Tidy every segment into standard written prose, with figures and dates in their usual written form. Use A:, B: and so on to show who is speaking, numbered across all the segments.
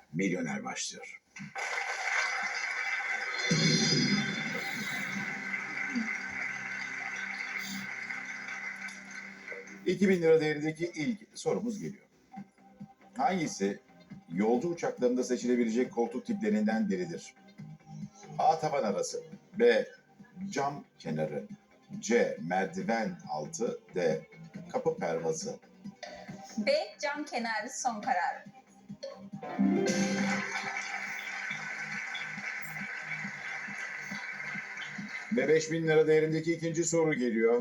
A: Milyoner başlıyor. $2000 değerindeki ilk sorumuz geliyor. Hangisi yolcu uçaklarında seçilebilecek koltuk tiplerinden biridir? A. Tavan arası, B. Cam kenarı, C. Merdiven altı, D. Kapı pervazı.
B: B. Cam kenarı son karar.
A: Ve $5000 değerindeki ikinci soru geliyor.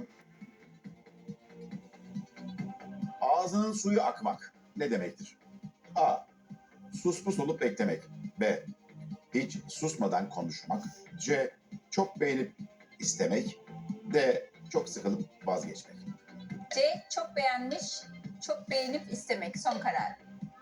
A: Ağzının suyu akmak ne demektir? A. Sus pus olup beklemek. B. Hiç susmadan konuşmak. C. Çok beğenip istemek. D. Çok sıkılıp vazgeçmek.
B: C. Çok beğenmiş, çok beğenip istemek son karar.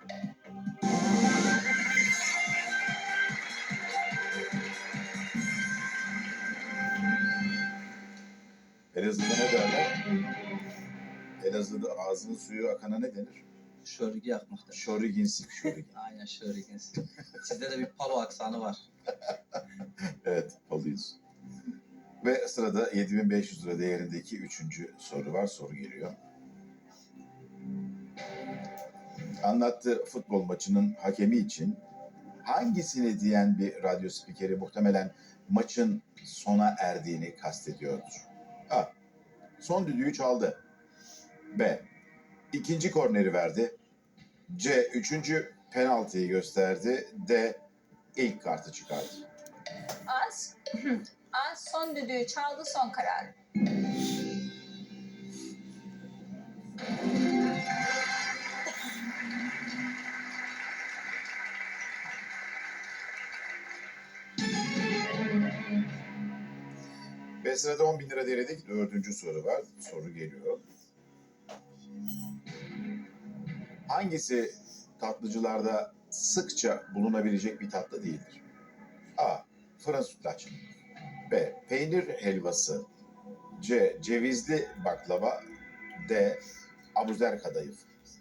A: Elazığ'da ne derler? Elazığ'da ağzının suyu akana ne denir?
C: Şörgü yakmakta.
A: Şoriginsik, şorigin.
C: Aynen şörgünsü. Sizde de bir palo aksanı var.
A: Evet, alıyoruz. Ve sırada $7500 değerindeki üçüncü soru var. Soru geliyor. Anlattığı futbol maçının hakemi için hangisini diyen bir radyo spikeri muhtemelen maçın sona erdiğini kastediyordur? A. Son düdüğü çaldı. B. İkinci korneri verdi. C. Üçüncü penaltıyı gösterdi. D. İlk kartı çıkardı.
B: A. Son düdüğü çaldı son karar.
A: Ve sırada $10.000 değerindeki dördüncü soru var. Soru geliyor. Hangisi tatlıcılarda sıkça bulunabilecek bir tatlı değildir? A. Fırın sütlaç. B. Peynir helvası. C. Cevizli baklava. D. Abuzer kadayıf.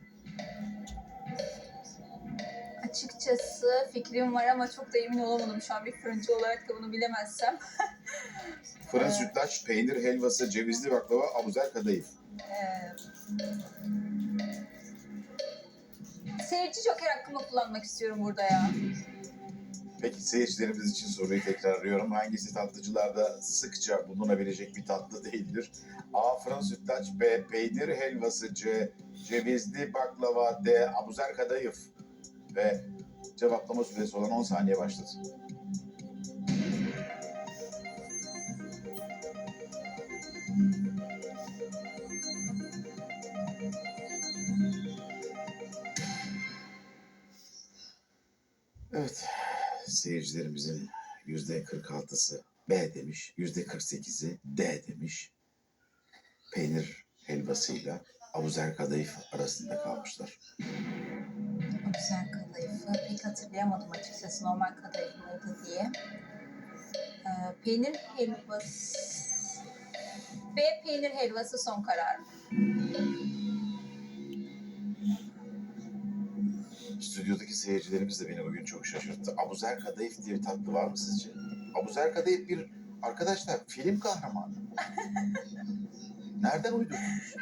B: Açıkçası fikrim var ama çok da emin olamadım şu an bir fırıncı olarak da bunu bilemezsem.
A: Fırın sütlaç, peynir helvası, cevizli baklava, abuzer kadayıf.
B: Seyirci joker hakkımı kullanmak istiyorum burada ya.
A: Peki seyircilerimiz için soruyu tekrarlıyorum. Hangisi tatlıcılarda sıkça bulunabilecek bir tatlı değildir? A. Fırın sütlaç. B. Peynir helvası. C. Cevizli baklava. D. Abuzer kadayıf. Ve cevaplama süresi olan 10 saniye başladı. Evet, seyircilerimizin %46'sı B demiş, %48'i D demiş. Peynir helvasıyla abuzer kadayıf arasında kalmışlar.
B: Abuzer kadayıfı pek hatırlayamadım açıkçası normal kadayıf mıydı diye. Peynir helvası... B. Peynir helvası son karar.
A: Stüdyodaki seyircilerimiz de beni bugün çok şaşırttı. Abuzer kadayıf diye bir tatlı var mı sizce? Abuzer kadayıf bir, arkadaşlar, film kahramanı. Nereden uydurdunuz?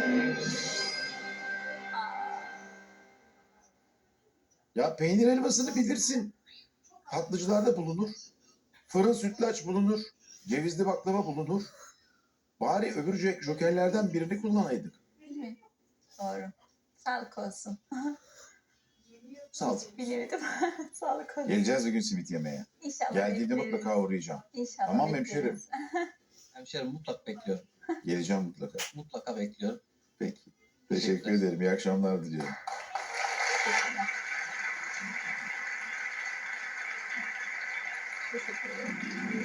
A: Ya peynir helvasını bilirsin. Tatlıcılarda bulunur. Fırın sütlaç bulunur. Cevizli baklava bulunur. Bari öbür jokerlerden birini kullanaydık.
B: Doğru. Sağlık olsun.
A: Sağ ol.
B: Bilemedim. Sağlık olsun.
A: Geleceğiz bugün simit yemeye.
B: İnşallah
A: Geldiğinde
B: bekleriz.
A: mutlaka uğrayacağım.
B: İnşallah
A: Tamam
B: bekleriz.
A: hemşerim.
C: Hemşerim mutlaka bekliyorum.
A: Geleceğim mutlaka.
C: Mutlaka bekliyorum.
A: Peki. Teşekkür ederim. İyi akşamlar diliyorum.
B: Teşekkürler. Teşekkür ederim.